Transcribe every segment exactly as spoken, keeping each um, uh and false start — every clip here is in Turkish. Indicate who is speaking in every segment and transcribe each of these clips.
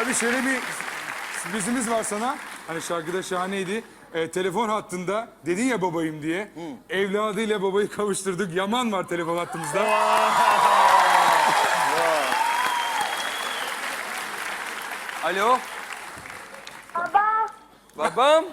Speaker 1: Abi şöyle bir sürprizimiz var sana. Hani şarkıda şahaneydi. Ee, telefon hattında dedin ya babayım diye. Evladıyla babayı kavuşturduk. Yaman var telefon hattımızda.
Speaker 2: Alo,
Speaker 3: Baba,
Speaker 2: babam.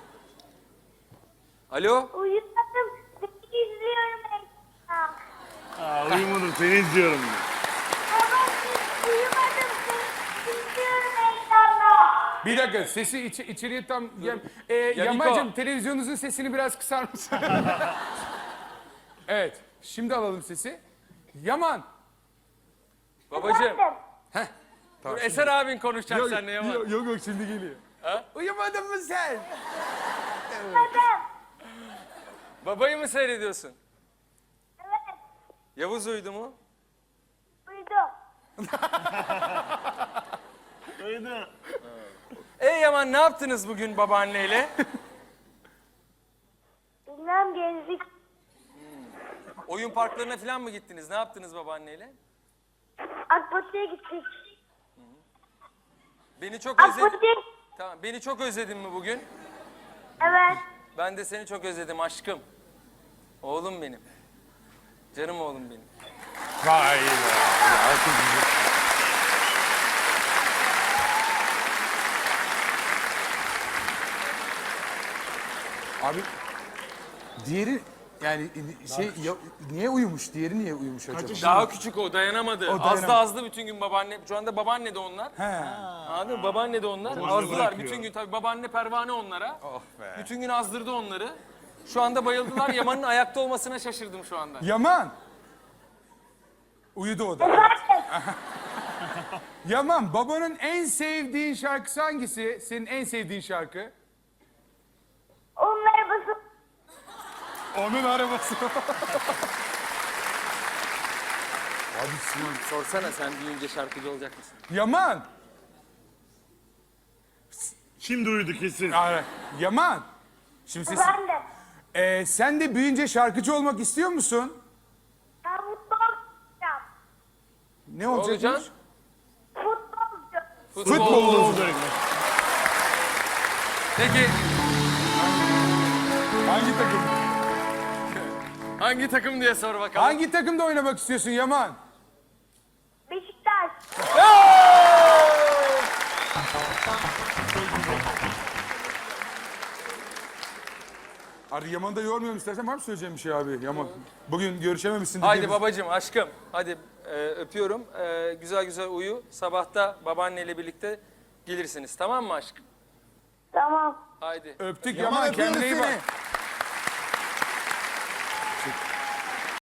Speaker 2: Alo,
Speaker 3: uyumadım. Seni izliyorum ekranda.
Speaker 4: Aa, uyumadım seni izliyorum.
Speaker 3: Baba, uyumadım. Seni izliyorum ekranda.
Speaker 1: Bir dakika sesi iç, içeriye tam... Yam, ee,
Speaker 2: Yaniko.
Speaker 1: Yaman'cığım televizyonunuzun sesini biraz kısar mısın? Evet. Şimdi alalım sesi. Yaman.
Speaker 2: babacığım.
Speaker 3: Efendim,
Speaker 2: Dur, Eser abin konuşacak seninle Yaman.
Speaker 1: yok, yok yok şimdi geliyor.
Speaker 2: Ha?
Speaker 1: Uyumadın mı sen?
Speaker 3: uyumadım.
Speaker 2: Babayı mı seyrediyorsun?
Speaker 3: Evet,
Speaker 2: Yavuz uyudu mu?
Speaker 3: uyudum.
Speaker 4: Uyudu.
Speaker 2: Ey Yaman ne yaptınız bugün babaanneyle?
Speaker 3: Bilmem gezdik.
Speaker 2: Oyun parklarına falan mı gittiniz? Ne yaptınız babaanneyle?
Speaker 3: Akbatı'ya gittik.
Speaker 2: Beni çok özledin.
Speaker 3: Akbatı'ya
Speaker 2: Tamam, beni çok özledin mi bugün?
Speaker 3: Evet.
Speaker 2: Ben de seni çok özledim aşkım. Oğlum benim. Canım oğlum benim.
Speaker 1: Vay be. Ya, çok güzel. Abi diğeri yani şey ya, niye uyumuş? Diğeri niye uyumuş acaba?
Speaker 2: Daha küçük o dayanamadı.
Speaker 1: O dayanamadı.
Speaker 2: Azdı azdı bütün gün babaanne. Şu anda babaanne de onlar.
Speaker 1: He.
Speaker 2: Anladın mı? Babaanne de onlar. Azdılar
Speaker 4: bırakıyor.
Speaker 2: bütün gün. Tabii babaanne pervane onlara.
Speaker 1: Oh be.
Speaker 2: Bütün gün azdırdı onları. Şu anda bayıldılar. Yaman'ın ayakta olmasına şaşırdım şu anda.
Speaker 1: Yaman. Uyudu o da.
Speaker 3: Efendim,
Speaker 1: Yaman babanın en sevdiğin şarkısı hangisi? Senin en sevdiğin şarkı?
Speaker 3: onun arabası.
Speaker 1: Onun arabası. Abi Sinan.
Speaker 2: Sorsana sen büyüyünce şarkıcı olacak mısın?
Speaker 1: Yaman.
Speaker 4: Şimdi uyudu kesin.
Speaker 1: Ara- Yaman. Şimdi ses,
Speaker 3: Efendim,
Speaker 1: Ee, sen de büyüyünce şarkıcı olmak istiyor musun?
Speaker 3: ben mutlu olacağım.
Speaker 1: Ne olacakmış?
Speaker 2: olacaksın?
Speaker 3: Futbolcu.
Speaker 1: Futbolcu.
Speaker 4: Olacak.
Speaker 2: Peki
Speaker 1: Hangi takım?
Speaker 2: hangi takım diye sor bakalım.
Speaker 1: Hangi takımda oynamak istiyorsun Yaman?
Speaker 3: Beşiktaş.
Speaker 1: Hadi Yaman'ı da yormayalım istersen var mı söyleyeceğim bir şey abi Yaman? Bugün görüşememişsin.
Speaker 2: Haydi
Speaker 1: dediğimiz-
Speaker 2: babacığım, aşkım. Hadi e, öpüyorum. E, güzel güzel uyu. Sabahta babaanneyle birlikte gelirsiniz. Tamam mı aşkım?
Speaker 3: Tamam.
Speaker 2: Haydi.
Speaker 1: Öptük
Speaker 5: Yaman,
Speaker 1: Yaman,
Speaker 5: öpüyoruz
Speaker 1: kendine iyi
Speaker 5: seni.
Speaker 1: bak.